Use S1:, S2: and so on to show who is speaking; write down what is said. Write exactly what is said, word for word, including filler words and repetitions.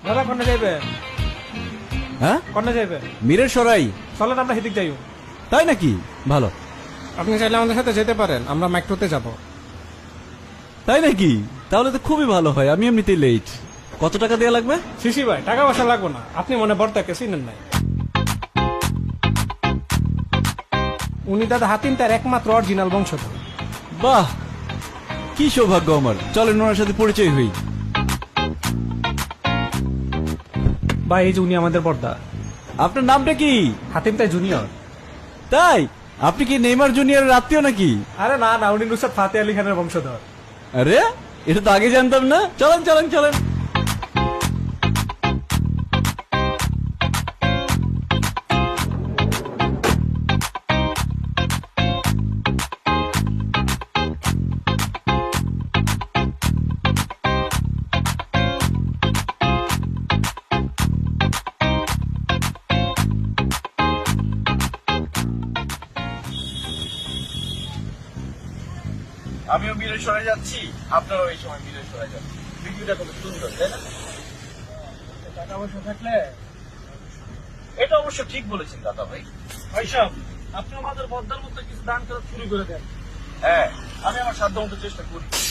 S1: দাদা কোনে যাইবেন?
S2: হ্যাঁ,
S1: কোনে যাইবেন?
S2: মীরের সরাই।
S1: চলেন আমরা হেদিক যাইও।
S2: তাই নাকি? ভালো।
S1: আপনি চাইলে আমাদের সাথে যেতে পারেন, আমরা মেট্রোতে যাব।
S2: তাই নাকি? তাহলে তো খুবই ভালো হয়, আমি এমনিতেই লেট। কত টাকা দেওয়া লাগবে?
S1: শিশি ভাই, টাকা পয়সা লাগবো না, আপনি মনে বর্তাকে চিনেন নাই। উনি দাদা হাতিম তার একমাত্র অরিজিনাল বংশধর।
S2: বাহ, কি সৌভাগ্য আমার। চলেন ওনার সাথে পরিচয় হই।
S1: ভাই এই যে উনি আমাদের বর্দা,
S2: আপনার নামটা কি?
S1: হাতিম তাই জুনিয়র।
S2: তাই? আপনি কি নেইমার জুনিয়রের আত্মীয় নাকি?
S1: আরে না না, উনি নুসরাত ফাতে আলী খানের বংশধর।
S2: আরে, এটা তো আগে জানতাম না। চলেন চলেন চলেন। আমিও মিরে সরে যাচ্ছি, আপনারাও এই সময় মিরে সরে যাচ্ছি। ভিডিওটা খুব সুন্দর, তাই না?
S1: টাকা পয়সা থাকলে
S2: এটা অবশ্য ঠিক বলেছেন দাদা ভাই।
S1: ভাই সাহেব, আপনি আমাদের বর্দার মতো কিছু দান করা শুরু করে দেন।
S2: হ্যাঁ, আমি আমার সাধ্য মতো চেষ্টা করি।